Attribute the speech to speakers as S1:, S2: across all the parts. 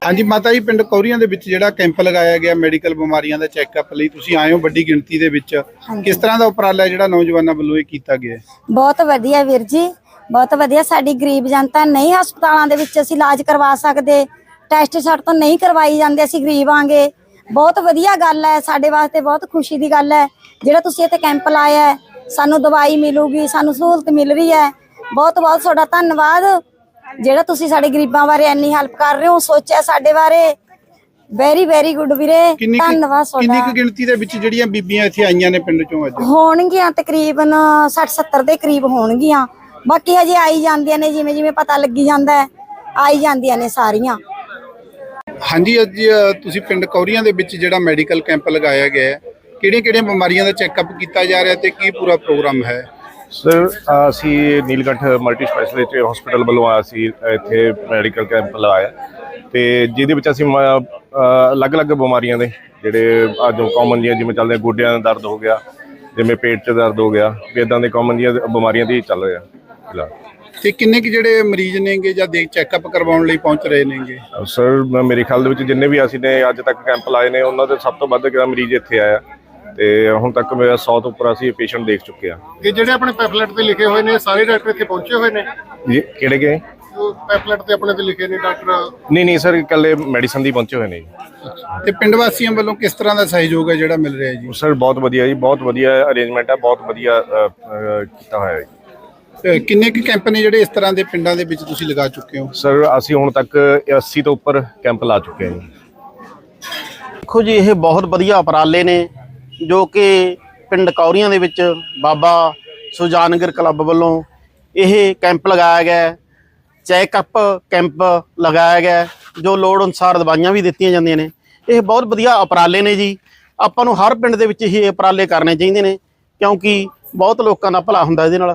S1: हाँ जी माता जी, पिंड कौरियां दे विच जिहड़ा कैंप लगाया गया मेडिकल बीमारियां दा चैकअप लई तुसीं आए हो बड़ी गिणती दे विच, किस तरह दा उपराला जिहड़ा नौजवानां वल्लों इह कीता गया है?
S2: बहुत वधिया वीर जी, बहुत वधिया। साडी गरीब जनता नहीं हस्पतालों दे विच असीं इलाज करवा सकदे, टैसट साडे तो नहीं करवाई जांदे, असीं गरीब आंगे। बहुत वधिया गल है, साडे वास्ते बहुत खुशी दी गल है जिहड़ा तुसीं इत्थे कैंप लाया है। सानूं दवाई मिलूगी, सानूं सहूलत मिल रही है। बहुत बहुत तुहाडा धन्नवाद ਜਿਹੜਾ ਤੁਸੀਂ ਸਾਡੇ ਗਰੀਬਾਂ ਬਾਰੇ ਇੰਨੀ ਹੈਲਪ ਕਰ ਰਹੇ ਹੋ, ਸੋਚਿਆ ਸਾਡੇ ਬਾਰੇ। ਵੈਰੀ ਵੈਰੀ ਗੁੱਡ ਵੀਰੇ, ਧੰਨਵਾਦ ਤੁਹਾਡਾ।
S1: ਕਿੰਨੀ ਕੁ ਗਿਣਤੀ ਦੇ ਵਿੱਚ ਜਿਹੜੀਆਂ ਬੀਬੀਆਂ ਇੱਥੇ ਆਈਆਂ ਨੇ ਪਿੰਡ ਚੋਂ ਅੱਜ?
S2: ਹੋਣਗੀਆਂ ਤਕਰੀਬਨ 60-70 ਦੇ ਕਰੀਬ ਹੋਣਗੀਆਂ। ਬਾਕੀ ਹਜੇ ਆਈ ਜਾਂਦੀਆਂ ਨੇ, ਜਿਵੇਂ ਜਿਵੇਂ ਪਤਾ ਲੱਗੀ ਜਾਂਦਾ ਹੈ ਆਈ ਜਾਂਦੀਆਂ ਨੇ ਸਾਰੀਆਂ।
S1: ਹਾਂਜੀ, ਅੱਜ ਤੁਸੀਂ ਪਿੰਡ ਕੌਰੀਆਂ ਦੇ ਵਿੱਚ ਜਿਹੜਾ ਮੈਡੀਕਲ ਕੈਂਪ ਲਗਾਇਆ ਗਿਆ ਹੈ, ਕਿਹੜੀਆਂ-ਕਿਹੜੀਆਂ ਬਿਮਾਰੀਆਂ ਦਾ ਚੈੱਕਅਪ ਕੀਤਾ ਜਾ ਰਿਹਾ ਤੇ ਕੀ ਪੂਰਾ ਪ੍ਰੋਗਰਾਮ ਹੈ?
S3: सर असी नीलकंठ मल्टी स्पैशलिटी हॉस्पिटल वालों असी इत्थे मैडिकल कैंप लगाया तो जिहदे विच असी अलग अलग बीमारियां दे जिहड़े अज कॉमन जिवें चलदे गोड्डियां दा दर्द हो गया, जिवें पेट च दर्द हो गया, इदां दे कॉमन जिहियां बीमारियां दी चल रहा फिलहाल।
S1: ते किन्ने कि जिहड़े मरीज नेगे जां देख चैकअप करवाउण लई पहुंच रहे नेगे?
S3: सर मेरे ख्याल दे विच जिन्ने भी असी ने अज तक कैंप लाए ने उन्हां दे सब तो वध मरीज इत्थे आया ਤੇ ਹੁਣ ਤੱਕ ਮੇਰਾ 100 ਤੋਂ ਉੱਪਰ ਅਸੀਂ ਪੇਸ਼ੈਂਟ ਦੇਖ ਚੁੱਕੇ ਆ।
S1: ਇਹ ਜਿਹੜੇ ਆਪਣੇ ਪੈਫਲੇਟ ਤੇ ਲਿਖੇ ਹੋਏ ਨੇ ਸਾਰੇ ਡਾਕਟਰ ਇੱਥੇ ਪਹੁੰਚੇ ਹੋਏ ਨੇ
S3: ਜੀ? ਕਿਹੜੇ
S1: ਪੈਫਲੇਟ ਤੇ ਆਪਣੇ ਤੇ ਲਿਖੇ ਨੇ ਡਾਕਟਰ?
S3: ਨਹੀਂ ਸਰ, ਇਕੱਲੇ ਮੈਡੀਸਨ ਦੀ ਪਹੁੰਚੇ ਹੋਏ ਨੇ ਜੀ।
S1: ਤੇ ਪਿੰਡ ਵਾਸੀਆਂ ਵੱਲੋਂ ਕਿਸ ਤਰ੍ਹਾਂ ਦਾ ਸਹਿਯੋਗ ਹੈ ਜਿਹੜਾ ਮਿਲ ਰਿਹਾ ਜੀ?
S3: ਸਰ ਬਹੁਤ ਵਧੀਆ ਜੀ, ਬਹੁਤ ਵਧੀਆ ਅਰੇਂਜਮੈਂਟ ਹੈ, ਬਹੁਤ ਵਧੀਆ ਕੀਤਾ ਹੋਇਆ ਜੀ।
S1: ਕਿੰਨੇ ਕੁ ਕੈਂਪ ਨੇ ਜਿਹੜੇ ਇਸ ਤਰ੍ਹਾਂ ਦੇ ਪਿੰਡਾਂ ਦੇ ਵਿੱਚ ਤੁਸੀਂ ਲਗਾ ਚੁੱਕੇ ਹੋ?
S3: ਸਰ ਅਸੀਂ ਹੁਣ ਤੱਕ 80 ਤੋਂ ਉੱਪਰ ਕੈਂਪ ਲਾ ਚੁੱਕੇ ਹਾਂ ਜੀ।
S4: ਦੇਖੋ ਜੀ, ਇਹ ਬਹੁਤ ਵਧੀਆ ਉਪਰਾਲੇ ਨੇ जो कि पिंड कौरियां दे विच बाबा सुजानगर क्लब वालों यह कैंप लगाया गया, चैकअप कैंप लगाया गया, जो लोड़ अनुसार दवाइयां भी दित्तियां जांदियां ने। यह बहुत वधिया उपराले ने जी। आपां नूं हर पिंड दे विच ये उपराले करने चाहिए ने क्योंकि बहुत लोकां दा भला हुंदा इहदे नाल।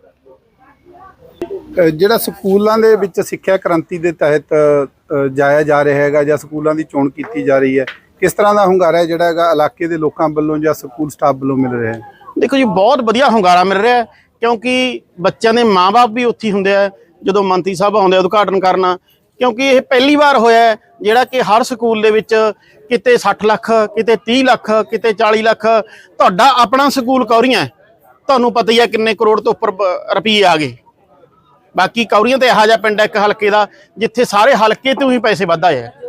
S1: ਜਿਹੜਾ ਸਕੂਲਾਂ ਦੇ ਵਿੱਚ ਸਿੱਖਿਆ ਕ੍ਰਾਂਤੀ ਦੇ ਤਹਿਤ ਜਾਇਆ ਜਾ ਰਿਹਾ ਹੈਗਾ ਜਾਂ ਸਕੂਲਾਂ ਦੀ ਚੋਣ ਕੀਤੀ ਜਾ ਰਹੀ ਹੈ, किस तरह का ਹੁੰਗਾਰਾ है ਜਿਹੜਾ ਹੈਗਾ ਇਲਾਕੇ ਦੇ ਲੋਕਾਂ ਵੱਲੋਂ ਜਾਂ ਸਕੂਲ ਸਟਾਫ ਵੱਲੋਂ ਮਿਲ ਰਿਹਾ ਹੈ?
S4: देखो जी, बहुत वधिया ਹੁੰਗਾਰਾ मिल रहा है क्योंकि बच्चों के माँ बाप भी उत्थे हुंदे आ जो मंत्री साहब आउंदे उद्घाटन करना, क्योंकि ये पहली बार होया है जिहड़ा कि हर स्कूल दे विच किते 60 ਲੱਖ, किते 30 ਲੱਖ, किते 40 ਲੱਖ। तुहाडा अपना स्कूल कौरियां है, तुहानूं पता ही है किन्ने करोड़ तो उपर रुपये आ गए। बाकी कौरियां तो इहो जिहा पिंड है एक हलके का जिथे सारे हलके तो ही पैसे वध आए है।